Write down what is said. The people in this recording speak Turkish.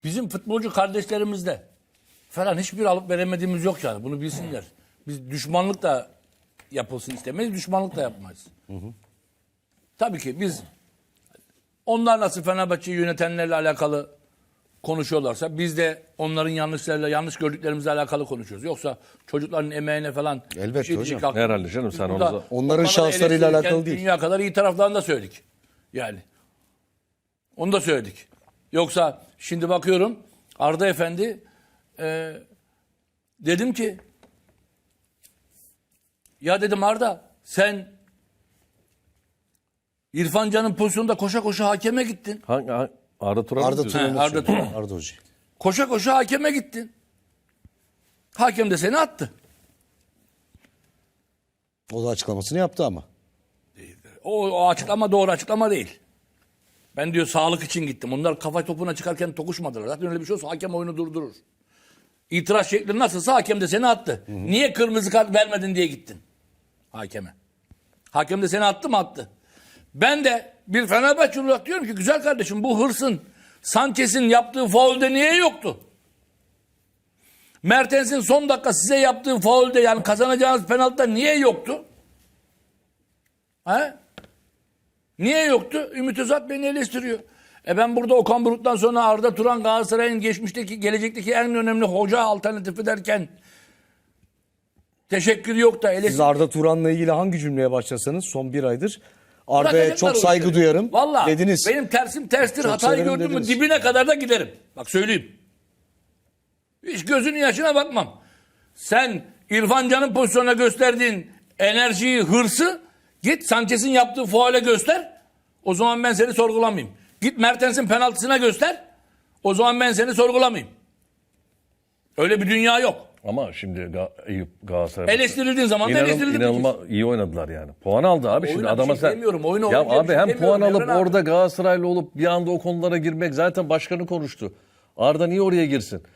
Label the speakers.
Speaker 1: Bizim futbolcu kardeşlerimizde falan hiçbir alıp veremediğimiz yok yani. Bunu bilsinler. Biz düşmanlık da yapılsın istemeyiz, düşmanlık da yapmayız. Tabii ki biz onlar nasıl Fenerbahçe'yi yönetenlerle alakalı konuşuyorlarsa biz de onların yanlışlarıyla, yanlış gördüklerimizle alakalı konuşuyoruz. Yoksa çocukların emeğine falan
Speaker 2: Elbette
Speaker 1: bir şey
Speaker 2: hocam.
Speaker 1: diyecek hakkımız
Speaker 3: Herhalde
Speaker 1: yok.
Speaker 3: canım,
Speaker 1: Biz
Speaker 3: sen
Speaker 1: burada
Speaker 3: onu da-
Speaker 2: Onların
Speaker 1: o kadar
Speaker 2: şanslarıyla
Speaker 1: eleştirirken
Speaker 2: alakalı değil.
Speaker 1: Dünya kadar iyi taraflarını da söyledik. Yani. Onu da söyledik. Yoksa şimdi bakıyorum Arda Efendi dedim ki ya dedim Arda sen İrfan Can'ın pozisyonunda koşa koşa hakeme gittin.
Speaker 3: Arda Turan mı
Speaker 2: Arda
Speaker 3: diyorsun?
Speaker 2: Turan'ı
Speaker 1: Arda
Speaker 2: söylüyor.
Speaker 1: Turan.
Speaker 2: Arda Hoca.
Speaker 1: Koşa koşa hakeme gittin. Hakem de seni attı.
Speaker 2: O da açıklamasını yaptı ama.
Speaker 1: O açıklama doğru açıklama değil. Ben diyor sağlık için gittim. Onlar kafa topuna çıkarken tokuşmadılar. Zaten öyle bir şey olsa hakem oyunu durdurur. İtiraz şekli nasılsa hakem de seni attı. Niye kırmızı kart vermedin diye gittin hakeme. Hakem de seni attı mı? Attı. Ben de bir Fenerbahçe olarak diyorum ki güzel kardeşim bu hırsın Sanchez'in yaptığı faulde niye yoktu? Mertens'in son dakika size yaptığı faulde yani kazanacağınız penaltıda niye yoktu? He? Niye yoktu? Ümit Özat beni eleştiriyor. Ben burada Okan Buruk'tan sonra Arda Turan Galatasaray'ın geçmişteki, gelecekteki en önemli hoca alternatifi derken teşekkür yok da
Speaker 2: Siz Arda Turan'la ilgili hangi cümleye başlasanız son bir aydır Arda'ya
Speaker 1: Bırakacaklar
Speaker 2: çok
Speaker 1: o
Speaker 2: saygı
Speaker 1: işleri.
Speaker 2: duyarım
Speaker 1: Vallahi
Speaker 2: dediniz.
Speaker 1: benim tersim terstir.
Speaker 2: Çok
Speaker 1: Hatayı
Speaker 2: severim
Speaker 1: gördüm mü
Speaker 2: dediniz.
Speaker 1: dibine kadar da giderim. Bak söyleyeyim. Hiç gözünün yaşına bakmam. Sen İrfan Can'ın pozisyonuna gösterdiğin enerjiyi, hırsı git Sanchez'in yaptığı faule göster. O zaman ben seni sorgulamayayım. Git Mertens'in penaltısına göster. O zaman ben seni sorgulamayayım. Öyle bir dünya yok.
Speaker 3: Ama şimdi Eyüp Galatasaray
Speaker 1: Eleştirildiğin zaman da eleştirildi.
Speaker 3: inanılmaz iyi oynadılar yani. Puan aldı abi şimdi
Speaker 1: Oyuna bir
Speaker 3: adama
Speaker 1: şey
Speaker 3: sen.
Speaker 1: demiyorum, oyuna
Speaker 3: Ya
Speaker 1: oyun diye
Speaker 3: abi
Speaker 1: bir şey
Speaker 3: hem
Speaker 1: demiyorum
Speaker 3: puan alıp
Speaker 1: Evren abi.
Speaker 3: orada Galatasaraylı olup bir anda o konulara girmek zaten başkanı konuştu. Arda niye oraya girsin?